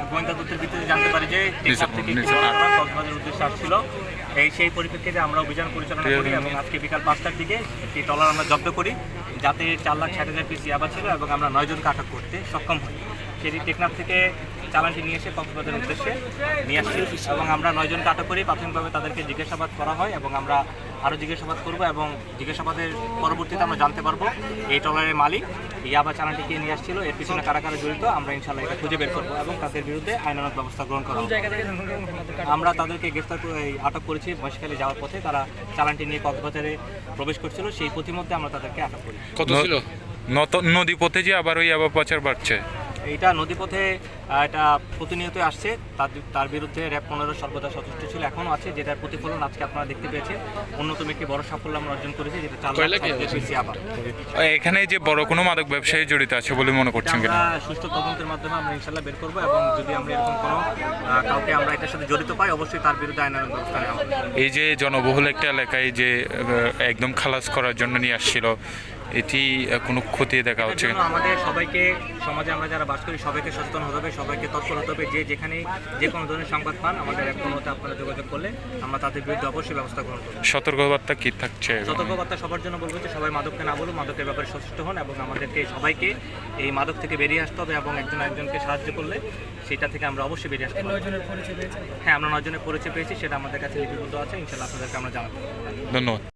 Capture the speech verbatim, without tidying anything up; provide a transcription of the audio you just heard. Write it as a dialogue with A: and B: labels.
A: গোয়েন্দা তথ্যের ভিত্তিতে জানতে পারি যে টেকনাফ থেকে কক্সবাজারের উদ্দেশ্যে আসছিল। এই সেই পরিপ্রেক্ষিতে আমরা অভিযান পরিচালনা করি এবং আজকে বিকাল পাঁচটার দিকে একটি ট্রলার আমরা জব্দ করি, যাতে চার লাখ ষাট হাজার পিস ইয়াবা ছিল এবং আমরা নয়জনকে আটক করতে সক্ষম হই। সেটি টেকনাফ থেকে চালানটি নিয়ে এসে কক্সবাজারের উদ্দেশ্যে নিয়ে আসছি এবং আমরা নয়জনকে আটক করি। প্রাথমিকভাবে তাদেরকে জিজ্ঞাসাবাদ করা হয় এবং আমরা আরও জিজ্ঞাসাবাদ করব এবং জিজ্ঞাসাবাদের পরবর্তীতে আমরা জানতে পারবো এই ট্রলারের মালিক ইয়াবা চালানটিকে নিয়ে আসছিল, এর পিছনে কারা কারা জড়িত আমরা ইনশাল্লাহ এটা খুঁজে বের করবো এবং তাদের বিরুদ্ধে আইনানুগ ব্যবস্থা গ্রহণ করা হবে। আমরা তাদেরকে গ্রেফতার আটক করেছি মহেশখালী যাওয়ার পথে, তারা চালানটি নিয়ে কক্সবাজারে প্রবেশ করছিল, সেই পথিমধ্যে আমরা তাদেরকে আটক করি।
B: কত ছিল নদী পথে যে আবার ওই আবার পাচার বাড়ছে?
A: এইটা নদীপথে এটা প্রতিনিয়ত আসছে, তার তার বিরুদ্ধে র্যাব পনেরো সর্বদা সচেষ্ট ছিল, এখনও আছে, যেটার প্রতিফলন আজকে আপনারা দেখতে পেয়েছেন। অন্যতম একটি বড় সাফল্য আমরা অর্জন করেছি, যেটা চার লাখ আবার।
B: এখানে যে বড় কোনো মাদক ব্যবসায়ী জড়িত আছে বলে মনে করছেন কিনা?
A: আমরা সুষ্ঠু তদন্তের মাধ্যমে আমরা ইনশাল্লাহ বের করবো এবং যদি আমরা এরকম কোনো কাউকে আমরা এটার সাথে জড়িত পাই, অবশ্যই তার বিরুদ্ধে আইনানুগ ব্যবস্থা নেওয়া হবে।
B: এই যে জনবহুল একটা এলাকায় যে একদম খালাস করার জন্য নিয়ে আসছিল, এটি কোনো ক্ষতি দেখা হচ্ছে?
A: আমাদের সবাইকে, সমাজে আমরা যারা বাস করি সবাইকে সচেতন হতে হবে, সবাইকে তৎপর হতে হবে, যে যেখানে যে কোনো ধরনের সংবাদ পান আমাদের এখন মতো আপনারা যোগাযোগ করলে আমরা তাদের বিরুদ্ধে অবশ্যই ব্যবস্থা গ্রহণ করব।
B: সতর্কবার্তা কি থাকছে?
A: সতর্কবার্তা সবার জন্য বলবো যে সবাই মাদককে না বলুন, মাদকের ব্যাপারে সচেষ্ট হন এবং আমাদেরকে সবাইকে এই মাদক থেকে বেরিয়ে আসতে হবে এবং একজন একজনকে সাহায্য করলে সেটা থেকে আমরা অবশ্যই বেরিয়ে আসতে পারবো। হ্যাঁ, আমরা নয় জনের পরিচয় পেয়েছি, সেটা আমাদের কাছে লিপিবদ্ধ আছে, ইনশাল্লাহ আপনাদেরকে আমরা জানাবো।
B: ধন্যবাদ।